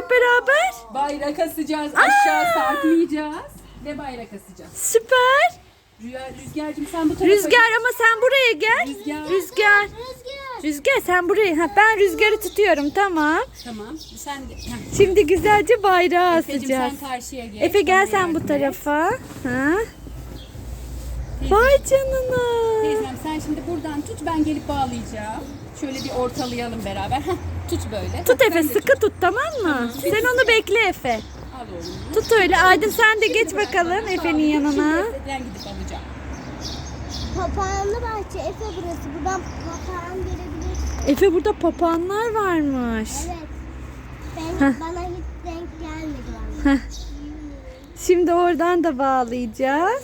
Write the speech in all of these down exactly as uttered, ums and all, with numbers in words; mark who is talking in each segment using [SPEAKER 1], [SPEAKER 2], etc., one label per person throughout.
[SPEAKER 1] hep beraber?
[SPEAKER 2] Bayrak asacağız, aşağı sarkmayacağız ve bayrak asacağız.
[SPEAKER 1] Süper.
[SPEAKER 2] Rüya, Rüzgar'cığım sen bu tarafa
[SPEAKER 1] Rüzgar ama sen buraya gel.
[SPEAKER 2] Rüzgar.
[SPEAKER 1] Rüzgar. Rüzgar sen buraya. Ha, ben rüzgarı tutuyorum tamam.
[SPEAKER 2] Tamam. Sen de. Heh.
[SPEAKER 1] Şimdi güzelce bayrağı
[SPEAKER 2] Efe'cim
[SPEAKER 1] asacağız.
[SPEAKER 2] sen karşıya geç.
[SPEAKER 1] Efe gel
[SPEAKER 2] Bana
[SPEAKER 1] sen
[SPEAKER 2] yardım
[SPEAKER 1] bu
[SPEAKER 2] et.
[SPEAKER 1] tarafa. Ha?
[SPEAKER 2] Teyze-
[SPEAKER 1] Vay canına.
[SPEAKER 2] Teyzem sen şimdi buradan tut, ben gelip bağlayacağım. Şöyle bir ortalayalım beraber. Heh, tut böyle.
[SPEAKER 1] Tut
[SPEAKER 2] Heh,
[SPEAKER 1] Efe
[SPEAKER 2] sen de
[SPEAKER 1] sıkı tut tamam mı? Sen onu bekle Efe.
[SPEAKER 2] Al oğlum.
[SPEAKER 1] Tut öyle. Aydın sen de geç
[SPEAKER 2] Bırak
[SPEAKER 1] bakalım
[SPEAKER 2] bana,
[SPEAKER 1] Efe'nin
[SPEAKER 2] sağ ol.
[SPEAKER 1] yanına.
[SPEAKER 2] Şimdi Efe'den gidip alacağım.
[SPEAKER 3] Papağanlı bahçe Efe burası. Buradan papağan görebilirsin.
[SPEAKER 1] Efe burada papağanlar varmış.
[SPEAKER 3] Evet. Ben, bana hiç denk gelmedi valla.
[SPEAKER 1] Heh. Şimdi oradan da bağlayacağız.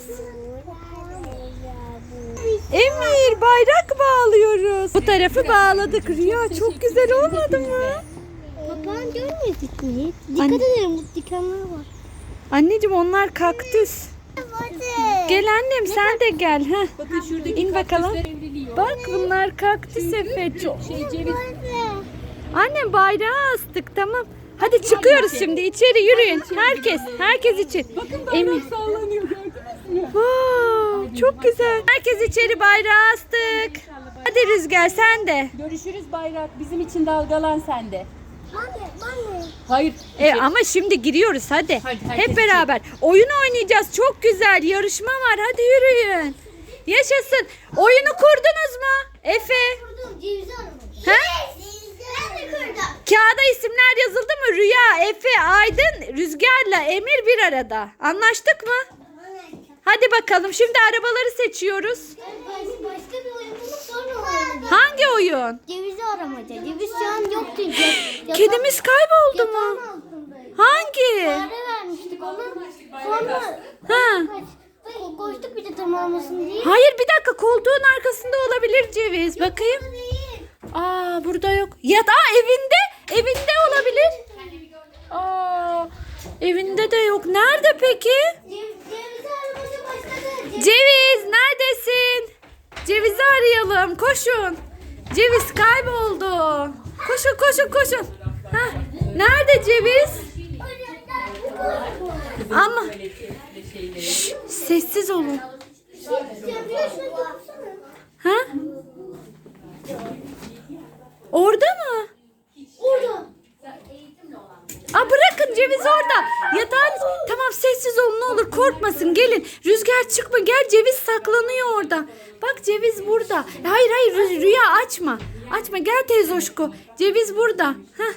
[SPEAKER 1] Emir bayrak bağlıyoruz. Bu tarafı bağladık. Rüya çok güzel olmadı mı?
[SPEAKER 3] Papağan görmedik mi hiç?
[SPEAKER 1] Anne-
[SPEAKER 3] Dikkat edelim bu dikenler var.
[SPEAKER 1] Anneciğim onlar kaktüs.
[SPEAKER 3] Hadi.
[SPEAKER 1] Gel annem sen de gel. Heh.
[SPEAKER 2] Bakın şuradaki
[SPEAKER 1] İn bakalım.
[SPEAKER 2] kaktüsler evriliyor.
[SPEAKER 1] Bak bunlar kaktüs Efe. Çok.
[SPEAKER 2] Şey ceviz.
[SPEAKER 1] Annem bayrağı astık tamam. Hadi çıkıyoruz şimdi içeri yürüyün. Herkes, herkes için.
[SPEAKER 2] Bakın
[SPEAKER 1] Emir.
[SPEAKER 2] bayrak sallanıyor, gördünüz mü?
[SPEAKER 1] Wow, çok güzel. Herkes içeri bayrağı astık. Hadi Rüzgar sen de.
[SPEAKER 2] Görüşürüz bayrak. Bizim için dalgalan sende.
[SPEAKER 3] Anne, anne.
[SPEAKER 2] Hayır.
[SPEAKER 1] E, ama şimdi giriyoruz hadi.
[SPEAKER 2] Hadi, herkes
[SPEAKER 1] Hep beraber. Oyun oynayacağız. Çok güzel. Yarışma var. Hadi yürüyün. Yaşasın. Oyunu kurdunuz mu? Efe.
[SPEAKER 3] Kurdum, cevizi aramış.
[SPEAKER 1] Ha?
[SPEAKER 3] Ben de kurdum.
[SPEAKER 1] Kağıda isimler yazıldı mı? Rüya, Efe, Aydın, Rüzgar'la Emir bir arada. Anlaştık mı? Hadi bakalım. Şimdi arabaları seçiyoruz.
[SPEAKER 3] Başka bir oyun bulup sonra oynayacağız.
[SPEAKER 1] Hangi oyun?
[SPEAKER 3] Cevizi aramaca. Ceviz şu an yok çünkü.
[SPEAKER 1] Kedimiz kayboldu mu?
[SPEAKER 3] Yatağın altındaydı.
[SPEAKER 1] Hangi?
[SPEAKER 3] Fare vermiştik ona. Sonra
[SPEAKER 1] Ha.
[SPEAKER 3] ko- koştuk bir de tırmanmasın diye.
[SPEAKER 1] Hayır bir dakika koltuğun arkasında olabilir ceviz. Bakayım.
[SPEAKER 3] Değil.
[SPEAKER 1] Aa burada yok. Ya da evinde. Evinde olabilir. Aa evinde de yok. Nerede peki?
[SPEAKER 3] Cev- Cevizi aramaca başladı. Ceviz-
[SPEAKER 1] Ceviz neredesin? Cevizi arayalım. Koşun. Ceviz kayboldu. Koşun koşun koşun. Hah, nerede ceviz? Ama Şş, sessiz olun. Ha? Orada mı?
[SPEAKER 3] Orada.
[SPEAKER 1] Aa bırakın ceviz orada. Yatağın tamam sessiz olun ne olur korkmasın gelin. Rüzgar çıkma gel ceviz saklanıyor orada. Bak ceviz burada. Hayır hayır Rü- Rüya açma. Açma gel teyze Hoşko. Ceviz burada. Hah.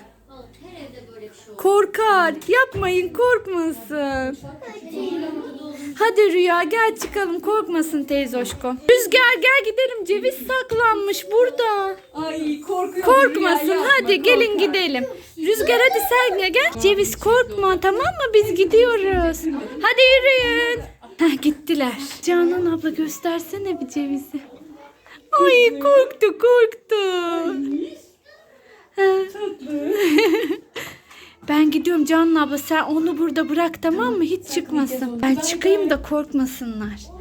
[SPEAKER 1] Korkar. Yapmayın korkmasın. Hadi Rüya gel çıkalım korkmasın teyze Hoşko. Rüzgar gel gidelim ceviz saklanmış burada.
[SPEAKER 2] Ay korkuyorum.
[SPEAKER 1] Korkmasın
[SPEAKER 2] Rüya,
[SPEAKER 1] hadi
[SPEAKER 2] yapma,
[SPEAKER 1] gelin
[SPEAKER 2] korkar.
[SPEAKER 1] gidelim. Rüzgar hadi sen de gel. Ceviz korkma tamam mı biz gidiyoruz. Hadi yürüyün. Heh, gittiler. Canan abla göstersene bir cevizi. Ay korktu korktu. Ha. Ben gidiyorum Canan abla sen onu burada bırak tamam mı hiç çıkmasın. Ben çıkayım da korkmasınlar.